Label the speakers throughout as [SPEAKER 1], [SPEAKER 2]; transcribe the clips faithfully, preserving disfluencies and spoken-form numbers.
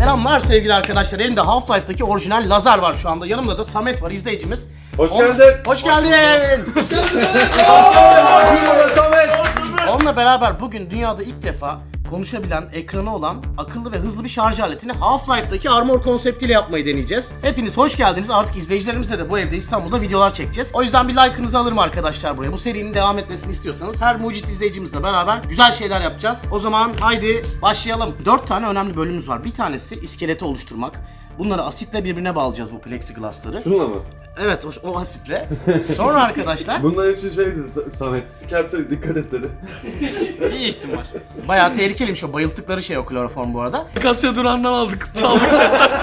[SPEAKER 1] Selamlar sevgili arkadaşlar. Elimde Half-Life'daki orijinal lazer var şu anda. Yanımda da Samet var, izleyicimiz.
[SPEAKER 2] Hoş
[SPEAKER 1] On...
[SPEAKER 2] geldin.
[SPEAKER 1] Hoş geldin. Hoş geldin. Onunla beraber bugün dünyada ilk defa konuşabilen, ekranı olan, akıllı ve hızlı bir şarj aletini Half-Life'daki Armor konseptiyle yapmayı deneyeceğiz. Hepiniz hoş geldiniz. Artık izleyicilerimizle de bu evde İstanbul'da videolar çekeceğiz. O yüzden bir like'ınızı alırım arkadaşlar buraya. Bu serinin devam etmesini istiyorsanız her mucit izleyicimizle beraber güzel şeyler yapacağız. O zaman haydi başlayalım. Dört tane önemli bölümümüz var. Bir tanesi iskeleti oluşturmak. Bunları asitle birbirine bağlayacağız, bu plexiglassları.
[SPEAKER 2] Şununla mı?
[SPEAKER 1] Evet, o, o asitle. Sonra arkadaşlar
[SPEAKER 2] Bunlar için şeydi Samet, Skelter dikkat et dedi.
[SPEAKER 3] İyi ihtimal.
[SPEAKER 1] bayağı tehlikeliymiş o bayılttıkları şey, o kloroform bu arada.
[SPEAKER 3] Kasya durağından aldık. Çaldık setten.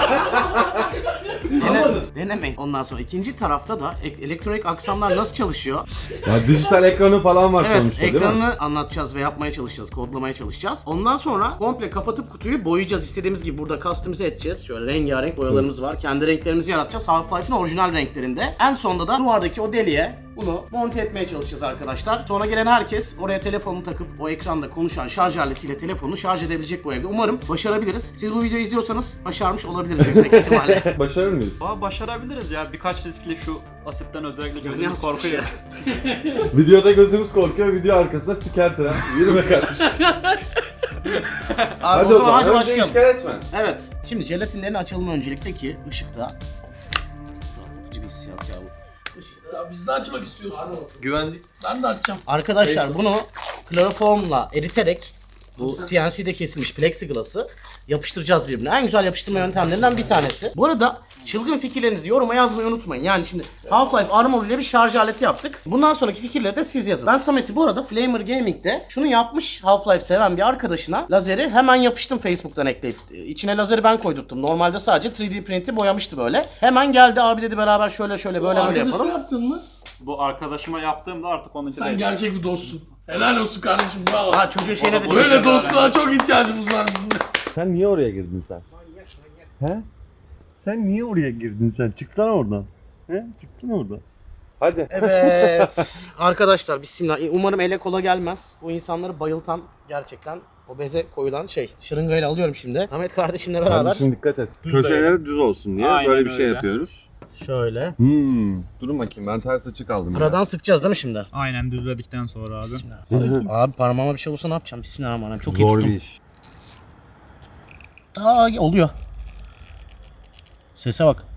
[SPEAKER 1] Dene, denemeyin. Ondan sonra ikinci tarafta da ek- elektronik aksamlar nasıl çalışıyor?
[SPEAKER 2] Ya dijital ekranı falan var
[SPEAKER 1] Evet,
[SPEAKER 2] sonuçta değil mi?
[SPEAKER 1] ekranını anlatacağız ve yapmaya çalışacağız, kodlamaya çalışacağız. Ondan sonra komple kapatıp kutuyu boyayacağız. İstediğimiz gibi burada customize edeceğiz. Şöyle rengarenk boyalarımız var. Kendi renklerimizi yaratacağız. Half-Life'ın orijinal renklerinde. En sonunda da duvardaki o deliğe bunu monte etmeye çalışacağız arkadaşlar. Sonra gelen herkes oraya telefonunu takıp o ekranda konuşan şarj aletiyle telefonunu şarj edebilecek bu evde. Umarım başarabiliriz. Siz bu videoyu izliyorsanız başarmış olabiliriz yüksek ihtimalle.
[SPEAKER 2] Başarır mıyız?
[SPEAKER 3] Aa, başarabiliriz ya. Birkaç riskli şu asitten özellikle gözümüz
[SPEAKER 1] Nasıl bir
[SPEAKER 3] korkuyor.
[SPEAKER 1] şey?
[SPEAKER 2] Videoda gözümüz korkuyor, video arkasında Skelter ha. Yürüme kardeşim.
[SPEAKER 1] Abi o zaman hadi
[SPEAKER 2] önce
[SPEAKER 1] başlayalım.
[SPEAKER 2] iskelet mi?
[SPEAKER 1] Evet. Şimdi jelatinlerin açılımı öncelikle ki ışıkta. Of, çok rahatlatıcı bir hissiyat ya bu.
[SPEAKER 4] Ya biz de açmak istiyoruz.
[SPEAKER 3] Güvenlik.
[SPEAKER 4] Ben de açacağım.
[SPEAKER 1] Arkadaşlar bunu kloroformla eriterek bu C N C'de kesilmiş plexiglass'ı yapıştıracağız birbirine. En güzel yapıştırma yöntemlerinden bir tanesi. Bu arada çılgın fikirlerinizi yoruma yazmayı unutmayın. Yani şimdi Half-Life Armor ile bir şarj aleti yaptık. Bundan sonraki fikirleri de siz yazın. Ben Samet'i bu arada Flamer Gaming'de şunu yapmış, Half-Life seven bir arkadaşına lazeri hemen yapıştım Facebook'tan ekleyip. İçine lazeri ben koydurttum. Normalde sadece üç D printi boyamıştı böyle. Hemen geldi, abi dedi beraber şöyle şöyle böyle böyle yapalım.
[SPEAKER 4] yaptın mı?
[SPEAKER 3] Bu arkadaşıma yaptığımda artık onun için
[SPEAKER 4] Sen
[SPEAKER 3] değil.
[SPEAKER 4] gerçek bir dostsun. Helal olsun kardeşim, bravo.
[SPEAKER 1] Ha, çocuğun şeyine de çok
[SPEAKER 4] Böyle dostluğa çok ihtiyacımız var bizim de.
[SPEAKER 2] Sen niye oraya girdin sen? He? Sen niye oraya girdin sen? Çıksana oradan. He? Çıksana oradan. Hadi.
[SPEAKER 1] Evet. Arkadaşlar bismillah. Umarım ele kola gelmez. Bu insanları bayıltan gerçekten o beze koyulan şey. Şırıngayla alıyorum şimdi. Ahmet kardeşimle beraber.
[SPEAKER 2] Kardeşim dikkat et.
[SPEAKER 3] Düz
[SPEAKER 2] Köşeleri düz olsun diye
[SPEAKER 3] Aynen
[SPEAKER 2] böyle bir şey
[SPEAKER 3] öyle.
[SPEAKER 2] yapıyoruz.
[SPEAKER 1] Şöyle.
[SPEAKER 2] Hmm. Durun bakayım, ben ters açı kaldım. ya.
[SPEAKER 1] Aradan sıkacağız değil mi şimdi?
[SPEAKER 3] Aynen düzledikten sonra abi.
[SPEAKER 1] Bismillah. Abi parmağıma bir şey olursa ne yapacağım? Bismillahirrahmanirrahim. Çok iyi
[SPEAKER 2] Zor
[SPEAKER 1] tuttum.
[SPEAKER 2] bir iş.
[SPEAKER 1] Aa, oluyor. Sese bak.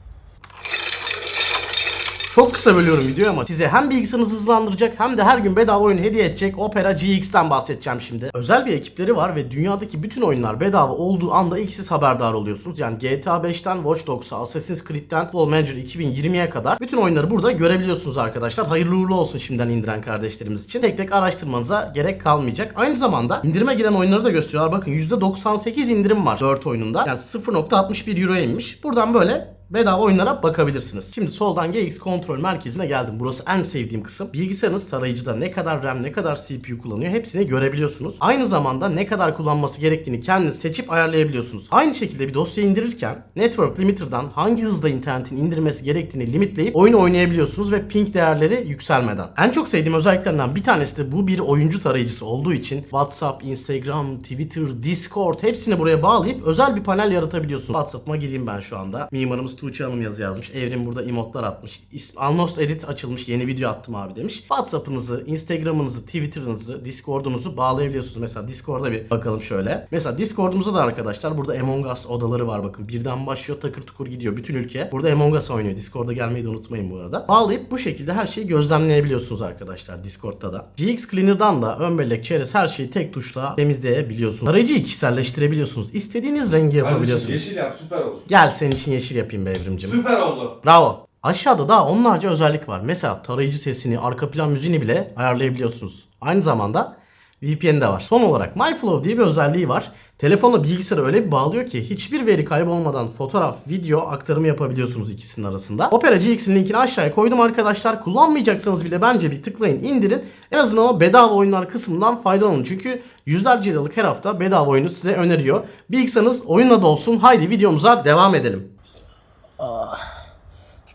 [SPEAKER 1] Çok kısa bölüyorum videoyu ama size hem bilgisayarınızı hızlandıracak hem de her gün bedava oyun hediye edecek Opera G X'ten bahsedeceğim şimdi. Özel bir ekipleri var ve dünyadaki bütün oyunlar bedava olduğu anda ilk siz haberdar oluyorsunuz. Yani G T A beşten Watch Dogs'a, Assassin's Creed'den Football Manager iki bin yirmiye kadar bütün oyunları burada görebiliyorsunuz arkadaşlar. Hayırlı uğurlu olsun şimdiden indiren kardeşlerimiz için. Tek tek araştırmanıza gerek kalmayacak. Aynı zamanda indirime giren oyunları da gösteriyorlar. Bakın yüzde doksan sekiz indirim var dört oyununda. Yani sıfır nokta altmış bir euroya inmiş. Buradan böyle bedava oyunlara bakabilirsiniz. Şimdi soldan G X kontrol merkezine geldim. Burası en sevdiğim kısım. Bilgisayarınız tarayıcıda ne kadar RAM, ne kadar C P U kullanıyor hepsini görebiliyorsunuz. Aynı zamanda ne kadar kullanması gerektiğini kendiniz seçip ayarlayabiliyorsunuz. Aynı şekilde bir dosya indirirken Network Limiter'dan hangi hızda internetin indirmesi gerektiğini limitleyip oyunu oynayabiliyorsunuz ve ping değerleri yükselmeden. En çok sevdiğim özelliklerinden bir tanesi de bu bir oyuncu tarayıcısı olduğu için WhatsApp, Instagram, Twitter, Discord hepsini buraya bağlayıp özel bir panel yaratabiliyorsunuz. WhatsApp'ıma gireyim ben şu anda. Mimarımız Tuğçe Hanım yazı yazmış. Evrim burada emotlar atmış. Alnos Edit açılmış. Yeni video attım abi demiş. WhatsApp'ınızı, Instagram'ınızı, Twitter'ınızı, Discord'unuzu bağlayabiliyorsunuz. Mesela Discord'a bir bakalım şöyle. Mesela Discord'umuza da arkadaşlar burada Among Us odaları var bakın. Birden başlıyor, takır tukur gidiyor. Bütün ülke burada Among Us oynuyor. Discord'a gelmeyi de unutmayın bu arada. Bağlayıp bu şekilde her şeyi gözlemleyebiliyorsunuz arkadaşlar Discord'ta da. G X Cleaner'dan da ön bellek, çerez her şeyi tek tuşla temizleyebiliyorsunuz. Tarayıcıyı kişiselleştirebiliyorsunuz. İstediğiniz rengi yapabiliyorsunuz.
[SPEAKER 2] Yeşil yap, süper olsun.
[SPEAKER 1] Gel senin için yeşil yapayım be Evrimcim.
[SPEAKER 2] Süper oldu.
[SPEAKER 1] Bravo. Aşağıda daha onlarca özellik var. Mesela tarayıcı sesini, arka plan müziğini bile ayarlayabiliyorsunuz. Aynı zamanda V P N de var. Son olarak MyFlow diye bir özelliği var. Telefonla bilgisayarı öyle bir bağlıyor ki hiçbir veri kaybolmadan fotoğraf, video aktarımı yapabiliyorsunuz ikisinin arasında. Opera G X'in linkini aşağıya koydum arkadaşlar. Kullanmayacaksanız bile bence bir tıklayın, indirin. En azından o bedava oyunlar kısmından faydalanın. Çünkü yüzlerce liralık her hafta bedava oyunu size öneriyor. Bilgisayarınız oyunla dolsun. Haydi videomuza devam edelim.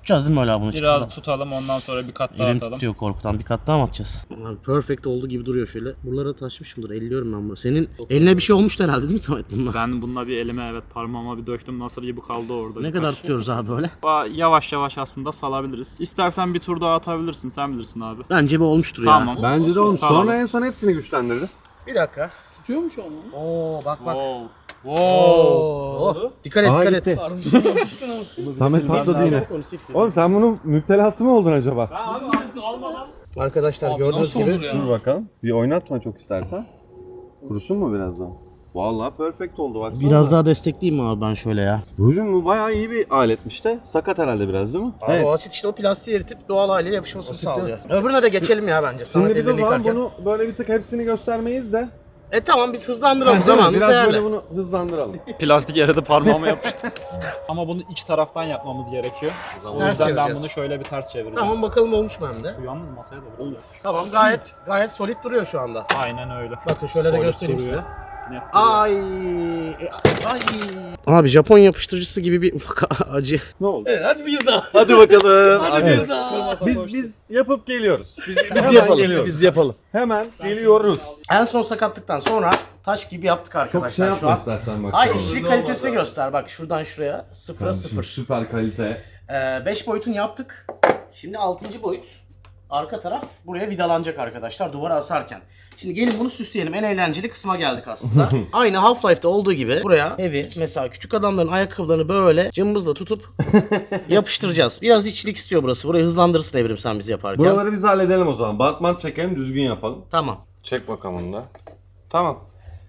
[SPEAKER 1] Tutacağız değil mi öyle bunu?
[SPEAKER 3] Biraz
[SPEAKER 1] Çıkmadan.
[SPEAKER 3] tutalım ondan sonra bir kat daha
[SPEAKER 1] Elim
[SPEAKER 3] atalım.
[SPEAKER 1] titriyor korkudan. Bir kat daha mı atacağız? Abi perfect olduğu gibi duruyor şöyle. Buralara taşmışımdır. Elliyorum ben bunu. Senin eline bir şey olmuştu herhalde değil mi Samet bununla?
[SPEAKER 3] Ben bununla bir elime evet parmağıma bir döktüm, nasır gibi kaldı orada.
[SPEAKER 1] Ne kadar tutuyoruz abi böyle?
[SPEAKER 3] Ba- Yavaş yavaş aslında salabiliriz. İstersen bir tur daha atabilirsin, sen bilirsin abi.
[SPEAKER 1] Bence bir olmuştur
[SPEAKER 3] Tamam.
[SPEAKER 1] ya.
[SPEAKER 2] Bence de olmuş.
[SPEAKER 3] Sağlam.
[SPEAKER 2] Sonra en son hepsini güçlendiririz.
[SPEAKER 1] Bir dakika.
[SPEAKER 4] Tutuyormuş onu.
[SPEAKER 1] Oo bak bak.
[SPEAKER 3] Wow. Wow.
[SPEAKER 1] Oo. Dikkat et
[SPEAKER 2] Aa,
[SPEAKER 1] dikkat
[SPEAKER 2] gitti.
[SPEAKER 1] et.
[SPEAKER 4] Kardeşim yapıştın ama.
[SPEAKER 2] Samet patladı yine. Oğlum sen bunun müptelası mı oldun acaba?
[SPEAKER 1] Arkadaşlar gördüğünüz
[SPEAKER 4] Nasıl
[SPEAKER 1] gibi.
[SPEAKER 4] olur ya?
[SPEAKER 2] Dur bakalım. Bir oynatma çok istersen. Kurusun mu birazdan? Vallahi perfect oldu baksana.
[SPEAKER 1] Biraz daha destekleyeyim mi abi ben şöyle ya?
[SPEAKER 2] Hocam bu bayağı iyi bir aletmiş de. Sakat herhalde biraz değil mi?
[SPEAKER 1] Abi o asit işte o plastiği eritip doğal haliyle yapışmasını sağlıyor. Öbürüne de geçelim ya bence.
[SPEAKER 2] Şimdi
[SPEAKER 1] Samet
[SPEAKER 2] biz o
[SPEAKER 1] ellerini
[SPEAKER 2] zaman
[SPEAKER 1] yıkarken.
[SPEAKER 2] bunu böyle bir tık hepsini göstermeyiz de.
[SPEAKER 1] E tamam biz hızlandıralım
[SPEAKER 2] Biraz
[SPEAKER 1] zamanımız değerli.
[SPEAKER 2] böyle bunu hızlandıralım.
[SPEAKER 3] Plastik yere de parmağıma yapıştı. Ama bunu iç taraftan yapmamız gerekiyor. O
[SPEAKER 1] Ters
[SPEAKER 3] yüzden ben
[SPEAKER 1] çevireceğiz.
[SPEAKER 3] bunu şöyle bir ters çevireceğim.
[SPEAKER 1] Tamam bakalım olmuş mu hem de.
[SPEAKER 3] Bu yalnız masaya da vuracağız.
[SPEAKER 1] Tamam gayet gayet solid duruyor şu anda.
[SPEAKER 3] Aynen öyle.
[SPEAKER 1] Bakın şöyle de
[SPEAKER 3] Solid
[SPEAKER 1] göstereyim
[SPEAKER 3] duruyor.
[SPEAKER 1] size.
[SPEAKER 3] Net duruyor.
[SPEAKER 1] Ay, e, ay. Abi Japon yapıştırıcısı gibi bir ufak acı.
[SPEAKER 2] Ne oldu?
[SPEAKER 4] Evet hadi bir daha.
[SPEAKER 2] Hadi bakalım.
[SPEAKER 4] Hadi
[SPEAKER 2] Evet.
[SPEAKER 4] bir daha.
[SPEAKER 2] Biz biz yapıp geliyoruz. Biz, biz
[SPEAKER 1] Hemen
[SPEAKER 2] yapalım.
[SPEAKER 1] geliyoruz.
[SPEAKER 2] Biz yapalım. Hemen geliyoruz.
[SPEAKER 1] En son sakatlıktan sonra taş gibi yaptık
[SPEAKER 2] Çok şey
[SPEAKER 1] arkadaşlar şu
[SPEAKER 2] yapma
[SPEAKER 1] an.
[SPEAKER 2] istersen bak.
[SPEAKER 1] Ay
[SPEAKER 2] şu an.
[SPEAKER 1] işçilik kalitesini göster bak şuradan şuraya sıfıra sıfır.
[SPEAKER 2] Süper kalite.
[SPEAKER 1] beş boyutunu yaptık. Şimdi altıncı boyut. Arka taraf buraya vidalanacak arkadaşlar duvara asarken. Şimdi gelin bunu süsleyelim. En eğlenceli kısma geldik aslında. Aynı Half-Life'da olduğu gibi buraya heavy mesela küçük adamların ayakkabılarını böyle cımbızla tutup yapıştıracağız. Biraz işçilik istiyor burası. Burayı hızlandırırsın Evrim sen bizi yaparken.
[SPEAKER 2] Buraları biz halledelim o zaman. Batman çekelim, düzgün yapalım.
[SPEAKER 1] Tamam.
[SPEAKER 2] Çek bakalım onu da. Tamam.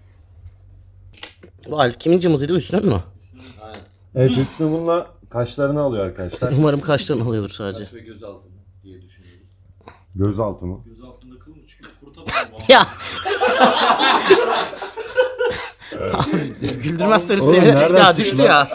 [SPEAKER 1] Bu Alp kimin cımbızıydı üstüne mü?
[SPEAKER 2] Evet üstüne bununla kaşlarını alıyor arkadaşlar.
[SPEAKER 1] Umarım kaşlarını alıyordur sadece.
[SPEAKER 2] Gözaltı mı?
[SPEAKER 1] Ya. Güldürmezseniz
[SPEAKER 2] Oğlum,
[SPEAKER 1] sevinirim.
[SPEAKER 2] nereden
[SPEAKER 1] Ya
[SPEAKER 2] çıktı
[SPEAKER 1] düştü
[SPEAKER 2] lan?
[SPEAKER 1] ya.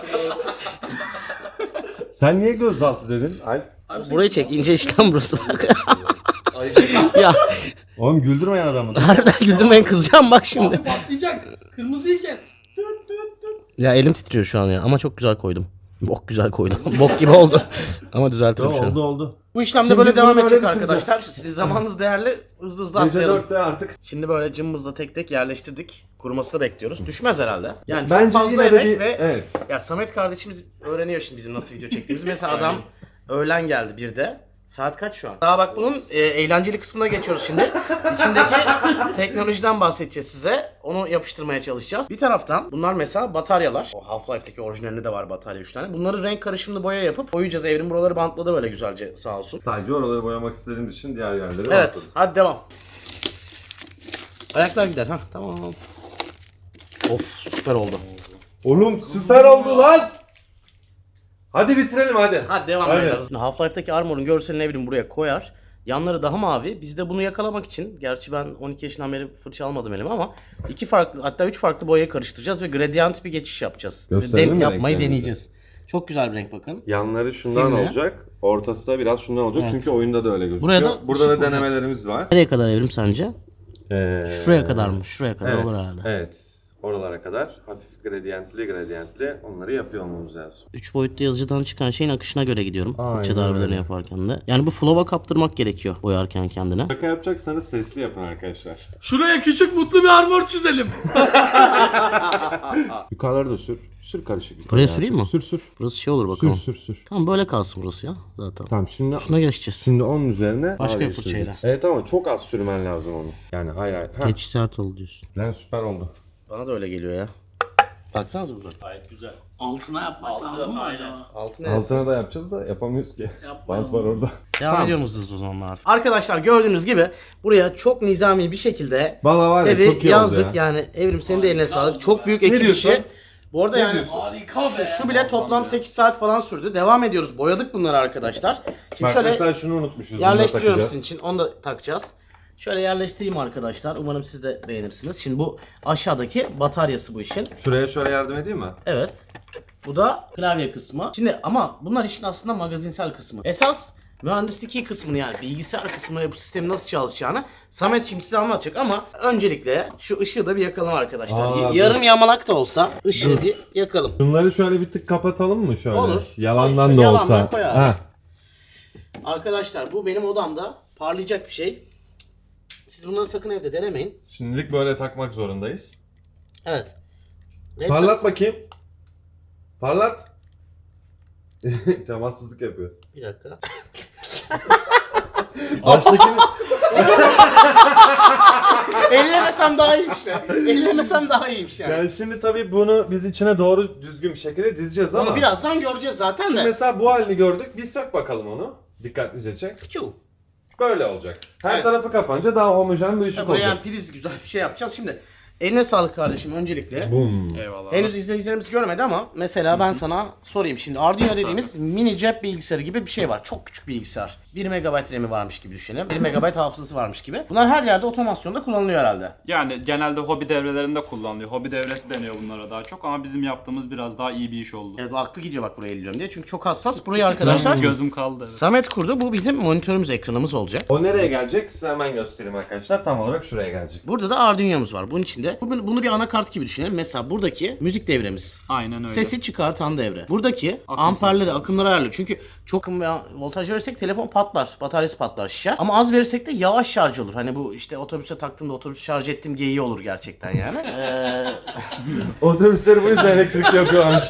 [SPEAKER 2] Sen niye gözaltı dedin? Alp.
[SPEAKER 1] Burayı çek ince işlem burası bak. Ya
[SPEAKER 2] Oğlum güldürmeyen adamı.
[SPEAKER 1] harbiden güldürmeyin kızacağım bak şimdi.
[SPEAKER 4] Abi patlayacak. Kırmızıyı kes.
[SPEAKER 1] Ya elim titriyor şu an ya ama çok güzel koydum. Bok güzel koydum. Bok gibi oldu. Ama düzeltirim şu an.
[SPEAKER 2] oldu oldu.
[SPEAKER 1] Bu işlemde
[SPEAKER 2] Şimdi
[SPEAKER 1] böyle
[SPEAKER 2] biz
[SPEAKER 1] devam
[SPEAKER 2] bunu
[SPEAKER 1] edecek
[SPEAKER 2] böyle
[SPEAKER 1] arkadaşlar.
[SPEAKER 2] bitireceğiz.
[SPEAKER 1] Sizin zamanınız değerli. Hızlı hızlı
[SPEAKER 2] Gece
[SPEAKER 1] atlayalım.
[SPEAKER 2] dörtte artık.
[SPEAKER 1] Şimdi böyle cımbızla tek tek yerleştirdik. Kurumasını bekliyoruz. Düşmez herhalde. Yani çok
[SPEAKER 2] Bence
[SPEAKER 1] fazla
[SPEAKER 2] yine de
[SPEAKER 1] emek
[SPEAKER 2] bir-
[SPEAKER 1] ve
[SPEAKER 2] evet.
[SPEAKER 1] ya Samet kardeşimiz öğreniyor şimdi bizim nasıl video çektiğimizi. Mesela adam öğlen geldi bir de. Saat kaç şu an? Daha bak bunun e, eğlenceli kısmına geçiyoruz şimdi. İçindeki teknolojiden bahsedeceğiz size. Onu yapıştırmaya çalışacağız. Bir taraftan bunlar mesela bataryalar. O Half-Life'deki orijinalinde de var batarya üç tane. Bunları renk karışımlı boya yapıp boyayacağız. Evrim buraları bantladı böyle güzelce sağ olsun.
[SPEAKER 2] Sadece oraları boyamak istediğimiz için diğer yerleri
[SPEAKER 1] Evet,
[SPEAKER 2] bantladık.
[SPEAKER 1] hadi devam. Ayaklar gider ha, tamam. Of, süper oldu.
[SPEAKER 2] Oğlum süper oldu lan. Hadi bitirelim hadi.
[SPEAKER 1] Hadi devam
[SPEAKER 2] Hadi.
[SPEAKER 1] edelim. Şimdi Half-Life'daki armor'un görselini Evrim buraya koyar. Yanları daha mavi. Biz de bunu yakalamak için, gerçi ben on iki yaşından beri fırça almadım elime ama iki farklı hatta üç farklı boyayı karıştıracağız ve gradient bir geçiş yapacağız.
[SPEAKER 2] Gösterelim mi
[SPEAKER 1] yapmayı
[SPEAKER 2] renklerimizi?
[SPEAKER 1] deneyeceğiz. Çok güzel bir renk bakın.
[SPEAKER 2] Yanları şundan
[SPEAKER 1] Simli.
[SPEAKER 2] olacak. Ortası da biraz şundan olacak.
[SPEAKER 1] Evet.
[SPEAKER 2] Çünkü oyunda da öyle gözüküyor.
[SPEAKER 1] Buraya da
[SPEAKER 2] Burada da
[SPEAKER 1] ışık olacak.
[SPEAKER 2] denemelerimiz var.
[SPEAKER 1] Nereye kadar Evrim sence?
[SPEAKER 2] Ee,
[SPEAKER 1] Şuraya kadar mı? Şuraya kadar
[SPEAKER 2] evet,
[SPEAKER 1] olur herhalde.
[SPEAKER 2] Evet. Oralara kadar hafif gradiyentli gradiyentli onları yapıyor olmamız lazım.
[SPEAKER 1] Üç boyutlu yazıcıdan çıkan şeyin akışına göre gidiyorum.
[SPEAKER 2] Aynen
[SPEAKER 1] Fırça darbelerini
[SPEAKER 2] öyle.
[SPEAKER 1] yaparken de. Yani bu flow'a kaptırmak gerekiyor boyarken kendine.
[SPEAKER 2] Şaka yapacaksanız sesli yapın arkadaşlar.
[SPEAKER 4] Şuraya küçük mutlu bir armor çizelim.
[SPEAKER 2] Yukarıları da sür. Sür karışık.
[SPEAKER 1] Buraya süreyim mi?
[SPEAKER 2] Sür sür.
[SPEAKER 1] Burası şey olur
[SPEAKER 2] Sür
[SPEAKER 1] bakalım.
[SPEAKER 2] sür sür.
[SPEAKER 1] Tamam böyle kalsın burası ya zaten.
[SPEAKER 2] Tamam şimdi
[SPEAKER 1] Şuna geçeceğiz.
[SPEAKER 2] şimdi onun üzerine
[SPEAKER 1] Başka
[SPEAKER 2] ağrıyı
[SPEAKER 1] bir fırçayla.
[SPEAKER 2] süreceğiz. Evet ama çok az sürmen lazım onu. Yani hayır hayır. Ha.
[SPEAKER 1] Geç sert oldu diyorsun.
[SPEAKER 2] Lan süper oldu.
[SPEAKER 1] Bana da öyle geliyor ya. Baksanıza burada.
[SPEAKER 4] Altına yapmak lazım mı acaba?
[SPEAKER 1] Altı ne?
[SPEAKER 2] Altına da yapacağız da yapamıyoruz ki.
[SPEAKER 4] Yapmayalım.
[SPEAKER 2] Bant var orada.
[SPEAKER 1] Devam ediyor musunuz o zaman artık? Arkadaşlar gördüğünüz gibi buraya çok nizami bir şekilde
[SPEAKER 2] Valla var ya
[SPEAKER 1] evi
[SPEAKER 2] çok iyi
[SPEAKER 1] yazdık.
[SPEAKER 2] oldu ya.
[SPEAKER 1] Yani Evrim senin de eline sağlık. Çok büyük ekip
[SPEAKER 2] diyorsun?
[SPEAKER 1] işi. Bu arada yani
[SPEAKER 4] Harika
[SPEAKER 1] şu,
[SPEAKER 4] be.
[SPEAKER 1] şu bile toplam sekiz saat falan sürdü. Devam ediyoruz. Boyadık bunları arkadaşlar. Şimdi
[SPEAKER 2] Bak
[SPEAKER 1] şöyle
[SPEAKER 2] mesela şunu unutmuşuz. bunu da
[SPEAKER 1] yerleştiriyorum
[SPEAKER 2] takacağız.
[SPEAKER 1] sizin için. Onu da takacağız. Şöyle yerleştireyim arkadaşlar. Umarım siz de beğenirsiniz. Şimdi bu aşağıdaki bataryası bu işin.
[SPEAKER 2] Şuraya şöyle yardım edeyim mi?
[SPEAKER 1] Evet. Bu da klavye kısmı. Şimdi ama bunlar işin aslında magazinsel kısmı. Esas mühendislik kısmını yani bilgisayar kısmını ve bu sistemin nasıl çalışacağını Samet şimdi size anlatacak ama öncelikle şu ışığı da bir yakalım arkadaşlar.
[SPEAKER 2] Aa,
[SPEAKER 1] Y-
[SPEAKER 2] dur.
[SPEAKER 1] Yarım yamalak da olsa ışığı bir yakalım.
[SPEAKER 2] Bunları şöyle bir tık kapatalım mı şöyle?
[SPEAKER 1] Olur.
[SPEAKER 2] Yalandan
[SPEAKER 1] Şöyle
[SPEAKER 2] da
[SPEAKER 1] yalandan
[SPEAKER 2] olsa.
[SPEAKER 1] koy abi.
[SPEAKER 2] Ha.
[SPEAKER 1] Arkadaşlar bu benim odamda parlayacak bir şey. Siz bunları sakın evde denemeyin.
[SPEAKER 2] Şimdilik böyle takmak zorundayız.
[SPEAKER 1] Evet.
[SPEAKER 2] Parlat bakayım. Parlat. Temassızlık yapıyor.
[SPEAKER 1] Bir dakika.
[SPEAKER 2] Baştakini...
[SPEAKER 1] Ellemesem daha iyiymiş be. Ellemesem daha iyiymiş yani.
[SPEAKER 2] Yani şimdi tabii bunu biz içine doğru düzgün bir şekilde dizeceğiz ama.
[SPEAKER 1] Onu birazdan göreceğiz zaten
[SPEAKER 2] Şimdi
[SPEAKER 1] de.
[SPEAKER 2] mesela bu halini gördük. Bir sök bakalım onu. Dikkatlice çek.
[SPEAKER 1] Piçu.
[SPEAKER 2] Böyle olacak. Her
[SPEAKER 1] Evet.
[SPEAKER 2] tarafı kapanınca daha homojen bir ışık
[SPEAKER 1] Buraya
[SPEAKER 2] olacak.
[SPEAKER 1] yani priz güzel bir şey yapacağız. Şimdi eline sağlık kardeşim öncelikle.
[SPEAKER 2] Bum.
[SPEAKER 3] Eyvallah.
[SPEAKER 1] Henüz izleyicilerimiz görmedi ama mesela ben sana sorayım. Şimdi Arduino dediğimiz mini cep bilgisayarı gibi bir şey var. Çok küçük bilgisayar. bir megabayt RAM'i varmış gibi düşünelim. bir megabayt hafızası varmış gibi. Bunlar her yerde otomasyonda kullanılıyor herhalde.
[SPEAKER 3] Yani genelde hobi devrelerinde kullanılıyor. Hobi devresi deniyor bunlara daha çok ama bizim yaptığımız biraz daha iyi bir iş oldu.
[SPEAKER 1] Evet, bu aklı gidiyor bak buraya elliyorum diye. Çünkü çok hassas. Burayı arkadaşlar
[SPEAKER 3] Gözüm kaldı. Evet.
[SPEAKER 1] Samet kurdu. Bu bizim monitörümüz, ekranımız olacak.
[SPEAKER 2] O nereye gelecek? Size hemen göstereyim arkadaşlar. Tam olarak şuraya gelecek.
[SPEAKER 1] Burada da Arduino'muz var. Bunun içinde bunu, bunu bir anakart gibi düşünelim. Mesela buradaki müzik devremiz.
[SPEAKER 3] Aynen öyle.
[SPEAKER 1] Sesi çıkartan devre. Buradaki
[SPEAKER 3] Akım
[SPEAKER 1] amperleri, akımları ayarlıyor. Çünkü çok akım ve voltaj verirsek telefon patlar. Bataryası patlar, şişer. Ama az verirsek de yavaş şarj olur. Hani bu işte otobüse taktığımda otobüs şarj ettim geyiği olur gerçekten yani. Ee,
[SPEAKER 2] Otobüsleri bu yüzden elektrik yapıyorlarmış.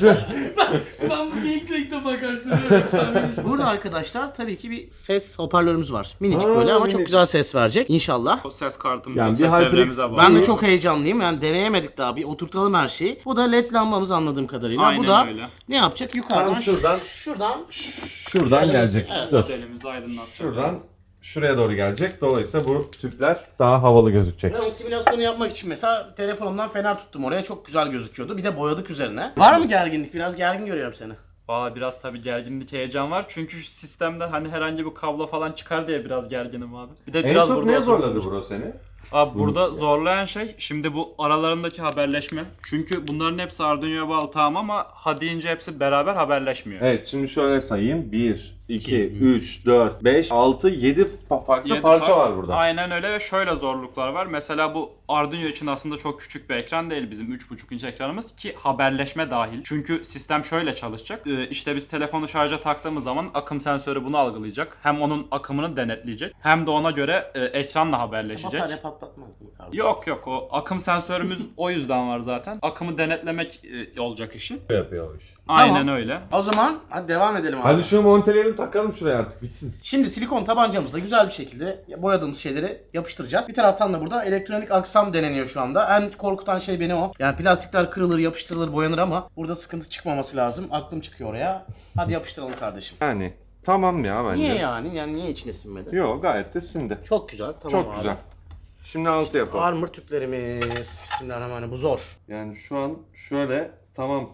[SPEAKER 4] Ben bu geyik reklamına karşılaşıyorum. Sen benim.
[SPEAKER 1] burada arkadaşlar tabii ki bir ses hoparlörümüz var. Minicik
[SPEAKER 2] Aa,
[SPEAKER 1] böyle ama çok
[SPEAKER 2] minicik.
[SPEAKER 1] güzel ses verecek inşallah.
[SPEAKER 3] O ses kartımız,
[SPEAKER 2] Yani
[SPEAKER 3] o
[SPEAKER 2] bir
[SPEAKER 3] ses
[SPEAKER 2] HyperX
[SPEAKER 3] devremiz de var.
[SPEAKER 1] Ben de çok heyecanlıyım. Yani deneyemedik daha. Bir oturtalım her şeyi. Bu da led lambamız anladığım kadarıyla.
[SPEAKER 3] Aynen
[SPEAKER 1] bu da
[SPEAKER 3] öyle.
[SPEAKER 1] ne yapacak? Yukarıdan
[SPEAKER 2] Tam şuradan-
[SPEAKER 1] şuradan
[SPEAKER 2] Şuradan gelecek.
[SPEAKER 1] Evet.
[SPEAKER 2] Dur.
[SPEAKER 3] Modelimizi aydınlatacak.
[SPEAKER 2] Şuradan şuraya doğru gelecek. Dolayısıyla bu tüpler daha havalı gözükecek.
[SPEAKER 1] ben o simülasyonu yapmak için mesela telefonumdan fener tuttum oraya. Çok güzel gözüküyordu. Bir de boyadık üzerine. Var mı gerginlik? Biraz gergin görüyorum seni.
[SPEAKER 3] Valla biraz tabii gerginlik, heyecan var. Çünkü şu sistemde hani herhangi bir kablo falan çıkar diye biraz gerginim abi. Bir de
[SPEAKER 2] En
[SPEAKER 3] biraz
[SPEAKER 2] çok
[SPEAKER 3] burada
[SPEAKER 2] ne
[SPEAKER 3] oturduğumuz-
[SPEAKER 2] zorladı bro seni?
[SPEAKER 3] Abi burada zorlayan şey şimdi bu aralarındaki haberleşme. Çünkü bunların hepsi Arduino'ya bağlı tamam ama ha deyince hepsi beraber haberleşmiyor.
[SPEAKER 2] Evet şimdi şöyle sayayım. bir, iki, üç, dört, beş, altı, yedi farklı
[SPEAKER 3] Yedi
[SPEAKER 2] parça
[SPEAKER 3] part-
[SPEAKER 2] var burada.
[SPEAKER 3] Aynen öyle ve şöyle zorluklar var. Mesela bu Arduino için aslında çok küçük bir ekran değil bizim üç buçuk inç ekranımız ki haberleşme dahil. Çünkü sistem şöyle çalışacak. Ee, işte biz telefonu şarja taktığımız zaman akım sensörü bunu algılayacak. Hem onun akımını denetleyecek hem de ona göre e, ekranla haberleşecek.
[SPEAKER 1] Batarya patlatmaz mı kardeşim?
[SPEAKER 3] Yok yok o akım sensörümüz o yüzden var zaten. Akımı denetlemek e, olacak işi.
[SPEAKER 2] Yapıyor o iş.
[SPEAKER 3] Aynen
[SPEAKER 1] Tamam.
[SPEAKER 3] öyle.
[SPEAKER 1] O zaman hadi devam edelim abi.
[SPEAKER 2] Hadi şunu monteleyelim takalım şuraya artık bitsin.
[SPEAKER 1] Şimdi silikon tabancamızla güzel bir şekilde boyadığımız şeyleri yapıştıracağız. Bir taraftan da burada elektronik aksam deneniyor şu anda. En korkutan şey beni o. Yani plastikler kırılır, yapıştırılır, boyanır ama burada sıkıntı çıkmaması lazım. Aklım çıkıyor oraya. Hadi yapıştıralım kardeşim.
[SPEAKER 2] Yani tamam ya bence.
[SPEAKER 1] Niye yani? Yani niye içine sinmedi?
[SPEAKER 2] Yok gayet de sindi.
[SPEAKER 1] Çok güzel. Tamam
[SPEAKER 2] Çok
[SPEAKER 1] abi.
[SPEAKER 2] güzel. Şimdi altı yapalım.
[SPEAKER 1] Armor tüplerimiz. Bismillahirrahmanirrahim. Bu zor.
[SPEAKER 2] Yani şu an şöyle tamam.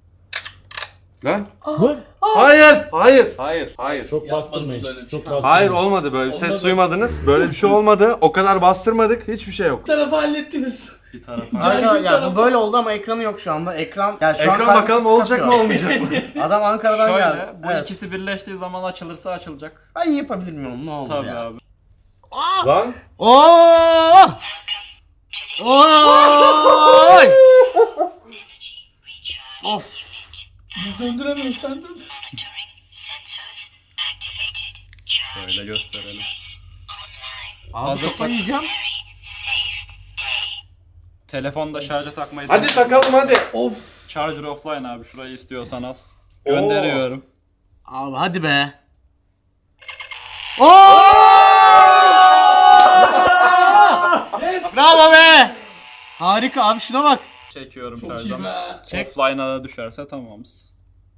[SPEAKER 2] Lan? Hayır! Hayır! Hayır! Hayır!
[SPEAKER 5] Çok
[SPEAKER 4] Yapmadınız öyle
[SPEAKER 5] bastırmayın.
[SPEAKER 4] bir şey.
[SPEAKER 5] Çok bastırmayın.
[SPEAKER 2] Hayır olmadı böyle bir ses
[SPEAKER 4] Olmadı.
[SPEAKER 2] duymadınız. Böyle bir şey olmadı. O kadar bastırmadık. Hiçbir şey yok.
[SPEAKER 4] Bir tarafı hallettiniz.
[SPEAKER 3] Bir tarafa.
[SPEAKER 1] Arka,
[SPEAKER 4] Gergin
[SPEAKER 1] ya bu
[SPEAKER 4] tarafı.
[SPEAKER 1] böyle oldu ama ekranı yok şu anda. Ekran yani şu an
[SPEAKER 2] Ekran
[SPEAKER 1] kalbimizi
[SPEAKER 2] bakalım olacak mı
[SPEAKER 1] tıkatıyor.
[SPEAKER 2] olmayacak mı?
[SPEAKER 1] Adam Ankara'dan
[SPEAKER 3] Şöyle
[SPEAKER 1] geldi.
[SPEAKER 3] bu
[SPEAKER 1] Evet.
[SPEAKER 3] ikisi birleştiği zaman açılırsa açılacak.
[SPEAKER 1] Ben yapabilir miyim? Ne olur
[SPEAKER 3] Tabii
[SPEAKER 1] ya.
[SPEAKER 3] abi.
[SPEAKER 2] Lan!
[SPEAKER 1] Oo! Oy! Of.
[SPEAKER 4] Biz döndüremiyoruz sen döndür.
[SPEAKER 3] Şöyle gösterelim.
[SPEAKER 1] Abi
[SPEAKER 3] Hazırsak-
[SPEAKER 1] kafayı yiyeceğim.
[SPEAKER 3] Telefonda şarja takmayı
[SPEAKER 2] Hadi takalım hadi.
[SPEAKER 4] Of.
[SPEAKER 3] Charger offline abi şurayı istiyorsan al. Gönderiyorum.
[SPEAKER 1] Abi hadi be. Oo! Bravo be. Harika abi şuna bak.
[SPEAKER 3] Çekiyorum
[SPEAKER 4] Çok iyi
[SPEAKER 3] şarjdan.
[SPEAKER 4] be.
[SPEAKER 3] Offline'a da düşerse tamamız.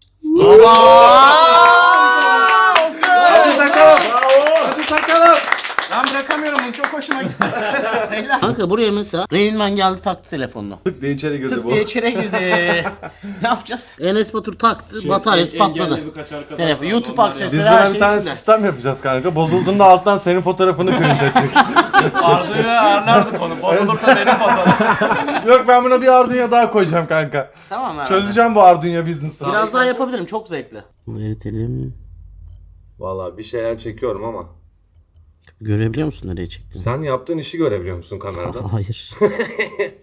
[SPEAKER 2] Hadi takalım. Hadi takalım.
[SPEAKER 1] Ben bırakamıyorum bunu çok hoşuma gitti. Kanka buraya mesela Rain Man geldi taktı telefonunu.
[SPEAKER 2] Tık diye içeri girdi
[SPEAKER 1] Tık
[SPEAKER 2] bu.
[SPEAKER 1] diye içeri girdi. Ne yapacağız? Enes Batur taktı, bataryası patladı. Telefon, YouTube
[SPEAKER 2] Biz
[SPEAKER 1] aksesleri
[SPEAKER 2] de
[SPEAKER 1] her
[SPEAKER 2] bir
[SPEAKER 1] şey
[SPEAKER 2] tane
[SPEAKER 1] içinde.
[SPEAKER 2] sistem yapacağız kanka. Bozulduğunda alttan senin fotoğrafını print edecek.
[SPEAKER 3] Arduino'ya ayarlardık onu. Bozulursa benim fotoğrafım.
[SPEAKER 2] Yok ben buna bir Arduino daha koyacağım kanka.
[SPEAKER 1] Tamam herhalde.
[SPEAKER 2] Çözeceğim bu Arduino business'ı.
[SPEAKER 1] Biraz daha yapabilirim çok zevkli. Bunu eritelim.
[SPEAKER 2] Vallahi bir şeyler çekiyorum ama.
[SPEAKER 1] Görebiliyor musun nereye çektiğini?
[SPEAKER 2] Sen yaptığın işi görebiliyor musun kameradan?
[SPEAKER 1] Hayır.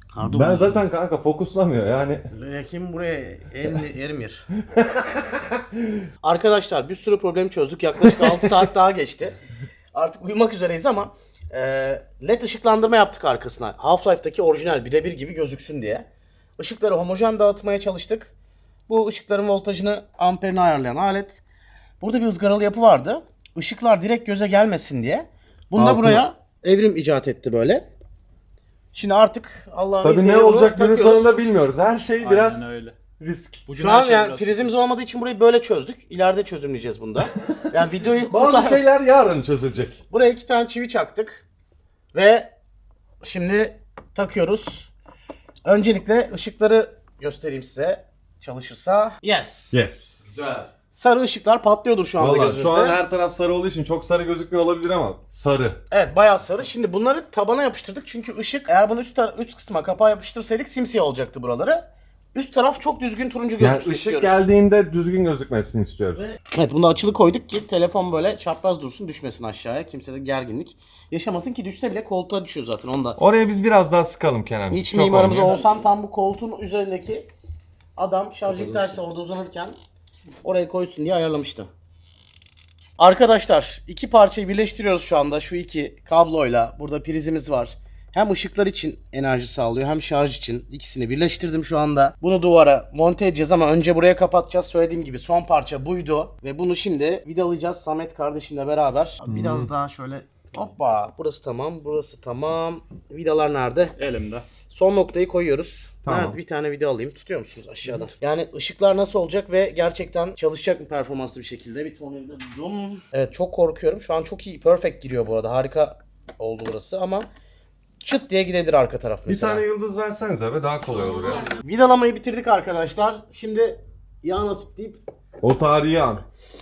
[SPEAKER 1] Pardon.
[SPEAKER 2] Ben zaten kanka fokuslamıyor yani.
[SPEAKER 1] Kim buraya er, Ermir. Arkadaşlar bir sürü problem çözdük. Yaklaşık altı saat daha geçti. Artık uyumak üzereyiz ama e, led ışıklandırma yaptık arkasına. Half-Life'daki orijinal birebir gibi gözüksün diye. Işıkları homojen dağıtmaya çalıştık. Bu ışıkların voltajını, amperini ayarlayan alet. Burada bir ızgaralı yapı vardı. Işıklar direkt göze gelmesin diye. Bunu da
[SPEAKER 2] Altına-
[SPEAKER 1] buraya Evrim icat etti böyle. Şimdi artık Allah'ın
[SPEAKER 2] Tabii
[SPEAKER 1] izniyle
[SPEAKER 2] ne
[SPEAKER 1] bunu
[SPEAKER 2] olacak günün
[SPEAKER 1] takıyoruz.
[SPEAKER 2] sonunda bilmiyoruz. Her şey biraz
[SPEAKER 3] Aynen öyle.
[SPEAKER 2] risk.
[SPEAKER 3] Bugün
[SPEAKER 1] Şu
[SPEAKER 3] her
[SPEAKER 1] an
[SPEAKER 3] şey
[SPEAKER 1] yani
[SPEAKER 3] biraz-
[SPEAKER 1] prizimiz olmadığı için burayı böyle çözdük. İleride çözümleyeceğiz bunda. Yani videoyu
[SPEAKER 2] Bazı
[SPEAKER 1] kurtar-
[SPEAKER 2] şeyler yarın çözülecek.
[SPEAKER 1] Buraya iki tane çivi çaktık. Ve şimdi takıyoruz. Öncelikle ışıkları göstereyim size. Çalışırsa. Yes.
[SPEAKER 2] Yes.
[SPEAKER 1] Sarı ışıklar patlıyordur şu anda
[SPEAKER 2] Valla
[SPEAKER 1] gözünüzde.
[SPEAKER 2] şu an her taraf sarı olduğu için çok sarı gözükmüyor olabilir ama sarı.
[SPEAKER 1] Evet bayağı sarı. Şimdi bunları tabana yapıştırdık çünkü ışık eğer bunu üst, tar- üst kısma kapağı yapıştırsaydık simsiyah olacaktı buraları. Üst taraf çok düzgün turuncu
[SPEAKER 2] Yani
[SPEAKER 1] gözüksün
[SPEAKER 2] ışık
[SPEAKER 1] istiyoruz.
[SPEAKER 2] geldiğinde düzgün gözükmesini istiyoruz.
[SPEAKER 1] Evet bunu açılı koyduk ki telefon böyle çapraz dursun düşmesin aşağıya. Kimsede gerginlik yaşamasın ki düşse bile koltuğa düşüyor zaten onda.
[SPEAKER 2] Oraya biz biraz daha sıkalım Kenan.
[SPEAKER 1] İç
[SPEAKER 2] Çok
[SPEAKER 1] mimarımız
[SPEAKER 2] olmuyor.
[SPEAKER 1] olsam tam bu koltuğun üzerindeki adam şarjı tersi orada uzanırken oraya koysun diye ayarlamıştı. Arkadaşlar iki parçayı birleştiriyoruz şu anda şu iki kabloyla. Burada prizimiz var. Hem ışıklar için enerji sağlıyor hem şarj için. İkisini birleştirdim şu anda. Bunu duvara monte edeceğiz ama önce buraya kapatacağız. Söylediğim gibi son parça buydu. Ve bunu şimdi vidalayacağız Samet kardeşimle beraber. Biraz daha şöyle hoppa. Burası tamam, burası tamam. Vidalar nerede?
[SPEAKER 3] Elimde.
[SPEAKER 1] Son noktayı koyuyoruz.
[SPEAKER 2] Tamam.
[SPEAKER 1] Nerede? Bir tane video alayım. Tutuyor musunuz aşağıdan? Yani ışıklar nasıl olacak ve gerçekten çalışacak mı performanslı bir şekilde? Bir tornavida buldum. Evet çok korkuyorum. Şu an çok iyi. Perfect giriyor bu arada. Harika oldu burası ama çıt diye gidebilir arka taraf
[SPEAKER 2] Bir
[SPEAKER 1] mesela.
[SPEAKER 2] tane yıldız versenize be daha kolay olur ya.
[SPEAKER 1] Vidalamayı bitirdik arkadaşlar. Şimdi yağ nasip deyip
[SPEAKER 2] O tarihi an.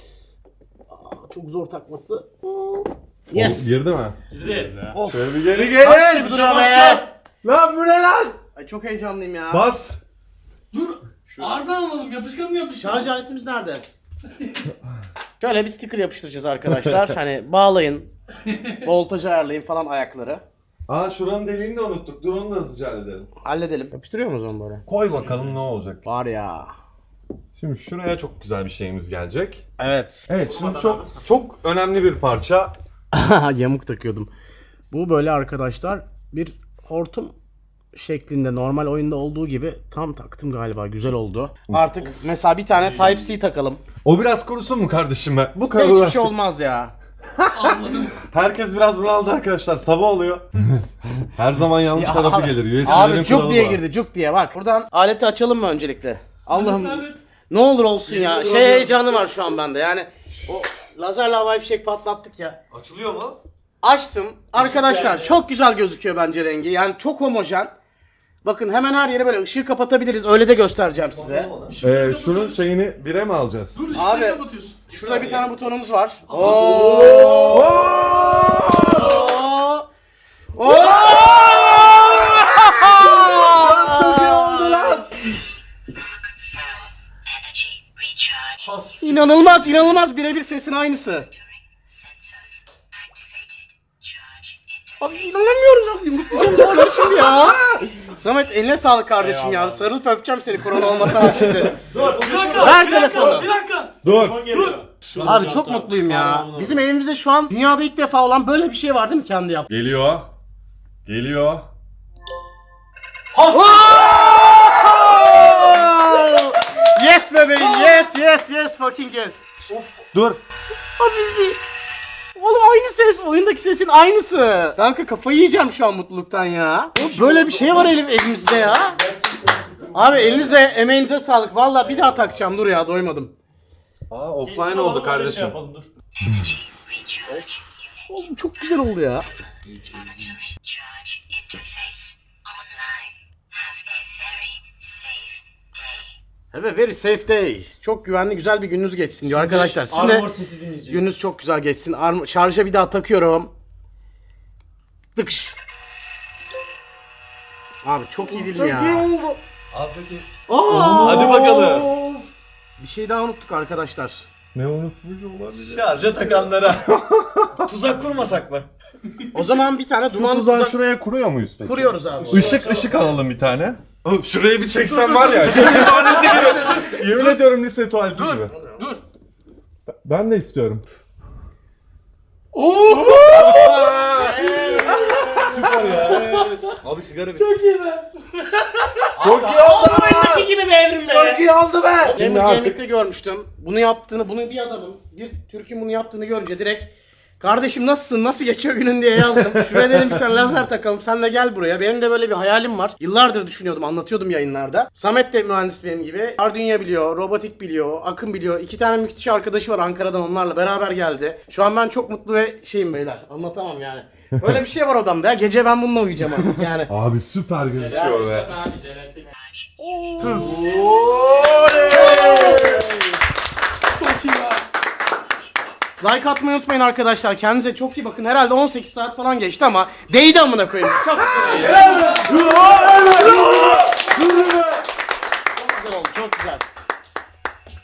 [SPEAKER 1] çok zor takması.
[SPEAKER 2] O
[SPEAKER 1] Yes.
[SPEAKER 2] girdi mi?
[SPEAKER 1] Of.
[SPEAKER 2] Şöyle bir geri
[SPEAKER 1] Kaç
[SPEAKER 2] gelin.
[SPEAKER 1] yıldır be?
[SPEAKER 2] Lan bu ne lan?
[SPEAKER 1] Ay çok heyecanlıyım ya.
[SPEAKER 2] Bas.
[SPEAKER 4] Dur. Arda alalım. Yapışkan mı yapışkan?
[SPEAKER 1] Şarj aletimiz nerede? Şöyle bir sticker yapıştıracağız arkadaşlar. Hani bağlayın. Voltajı ayarlayın falan ayakları.
[SPEAKER 2] Aa şuranın deliğini de unuttuk. Dur onu da hızlıca halledelim.
[SPEAKER 1] Halledelim. Yapıştırıyor muyuz onu böyle?
[SPEAKER 2] Koy bakalım ne olacak.
[SPEAKER 1] Var ya.
[SPEAKER 2] Şimdi şuraya çok güzel bir şeyimiz gelecek.
[SPEAKER 1] Evet.
[SPEAKER 2] Evet şimdi çok çok önemli bir parça.
[SPEAKER 1] Yamuk takıyordum. Bu böyle arkadaşlar bir hortum şeklinde normal oyunda olduğu gibi tam taktım galiba. Güzel oldu. Artık mesela bir tane Type-C takalım.
[SPEAKER 2] O biraz kurusun mu kardeşim be? Bu kadar
[SPEAKER 1] Hiçbir şey
[SPEAKER 2] uğraştık.
[SPEAKER 1] olmaz ya.
[SPEAKER 4] Anladım.
[SPEAKER 2] Herkes biraz bunaldı arkadaşlar. Sabah oluyor. Her zaman yanlış
[SPEAKER 1] Ya
[SPEAKER 2] tarafı
[SPEAKER 1] abi-
[SPEAKER 2] gelir. U S B'lerin
[SPEAKER 1] Abi cuk
[SPEAKER 2] kuralı
[SPEAKER 1] diye
[SPEAKER 2] var.
[SPEAKER 1] girdi cuk diye bak. Buradan aleti açalım mı öncelikle? Allah'ım
[SPEAKER 4] Evet.
[SPEAKER 1] ne olur olsun ya.
[SPEAKER 4] Yemin
[SPEAKER 1] Şey
[SPEAKER 4] ediyorum.
[SPEAKER 1] heyecanı var şu an bende. Yani o lazerle havai fişek patlattık ya.
[SPEAKER 5] Açılıyor mu?
[SPEAKER 1] Açtım. Arkadaşlar çok güzel gözüküyor bence rengi. Yani çok homojen. Bakın hemen her yere böyle ışığı kapatabiliriz. Öyle de göstereceğim size.
[SPEAKER 2] Ee, şunun şeyini bire mi alacağız?
[SPEAKER 4] Dur ışıkları
[SPEAKER 1] Abi.
[SPEAKER 4] kapatıyorsun.
[SPEAKER 1] Şurada bir tane butonumuz var. Oo! Oo!
[SPEAKER 2] Çok iyi oldu lan.
[SPEAKER 1] İnanılmaz, inanılmaz birebir sesin aynısı. Abi inanamıyorum ya. Yumruklayacağım doğru şimdi ya. Samet eline sağlık kardeşim ya. Sarılıp öpeceğim seni korona olmasa şimdi.
[SPEAKER 5] Dur, bir dakika,
[SPEAKER 1] Ver
[SPEAKER 5] bir dakika,
[SPEAKER 1] telefonu.
[SPEAKER 5] bir dakika.
[SPEAKER 2] Dur.
[SPEAKER 5] Dur.
[SPEAKER 1] Abi çok mutluyum ya. Bizim evimizde şu an dünyada ilk defa olan böyle bir şey var değil mi kendi yap?
[SPEAKER 2] Geliyor. Geliyor.
[SPEAKER 1] Yes bebeğim, yes, yes, yes, fucking yes.
[SPEAKER 2] Dur.
[SPEAKER 1] Abi biz- Oğlum aynı ses, oyundaki sesin aynısı. Kanka kafayı yiyeceğim şu an mutluluktan ya. Böyle bir şey var Elif evimizde ya. Abi elinize, emeğinize sağlık. Valla bir daha takacağım. Dur ya doymadım.
[SPEAKER 2] Aa offline oldu kardeşim.
[SPEAKER 1] Oğlum çok güzel oldu ya.
[SPEAKER 6] Charge interface online. Have a very safe day.
[SPEAKER 1] Evet very safe day. Çok güvenli güzel bir gününüz geçsin diyor arkadaşlar. Sizin de
[SPEAKER 5] Armor sesi dinleyeceğiz.
[SPEAKER 1] gününüz çok güzel geçsin. Arm- şarja bir daha takıyorum. Tıkış. Abi çok iyi değil mi ya?
[SPEAKER 2] oldu.
[SPEAKER 5] Al peki.
[SPEAKER 1] Aa!
[SPEAKER 5] Hadi bakalım.
[SPEAKER 1] Bir şey daha unuttuk arkadaşlar.
[SPEAKER 2] Ne unutmuş olabilir?
[SPEAKER 5] Şarja takanlara. Tuzak kurmasak mı?
[SPEAKER 1] O zaman bir tane
[SPEAKER 2] Şu
[SPEAKER 1] duman
[SPEAKER 2] tuzağı
[SPEAKER 1] tuzak
[SPEAKER 2] şuraya kuruyor muyuz peki?
[SPEAKER 1] kuruyoruz abi.
[SPEAKER 2] Işık ışık alalım bir tane. Oğlum şuraya bir çeksen var ya. Lise tuvaleti gibi. Yemin ediyorum lise tuvaleti
[SPEAKER 4] Dur,
[SPEAKER 2] gibi.
[SPEAKER 4] dur.
[SPEAKER 2] Ben de istiyorum.
[SPEAKER 5] Abi sigara bir.
[SPEAKER 4] Çok iyi be.
[SPEAKER 2] Çok iyi oldu.
[SPEAKER 1] Oyundaki gibi bir evrim be.
[SPEAKER 2] Çok iyi oldu be.
[SPEAKER 1] Gamer
[SPEAKER 2] artık-
[SPEAKER 1] Gaming'de görmüştüm. Bunu yaptığını, bunu bir adamın, bir Türk'ün bunu yaptığını görünce direkt kardeşim nasılsın, nasıl geçiyor günün diye yazdım. Şuraya dedim bir tane lazer takalım, sen de gel buraya. Benim de böyle bir hayalim var. Yıllardır düşünüyordum, anlatıyordum yayınlarda. Samet de mühendis benim gibi. Arduino biliyor, robotik biliyor, Akın biliyor. İki tane müthiş arkadaşı var Ankara'dan, onlarla beraber geldi. Şu an ben çok mutlu ve şeyim beyler. Anlatamam yani. Böyle bir şey var odamda ya. Gece ben bununla uyuyacağım artık yani.
[SPEAKER 2] Abi süper gözüküyor be.
[SPEAKER 3] Abi jelatin.
[SPEAKER 1] Tıs. Like atmayı unutmayın arkadaşlar. Kendinize çok iyi bakın. Herhalde on sekiz saat falan geçti ama değdi amına koyayım. Çok güzel. Çok güzel oldu. Çok güzel.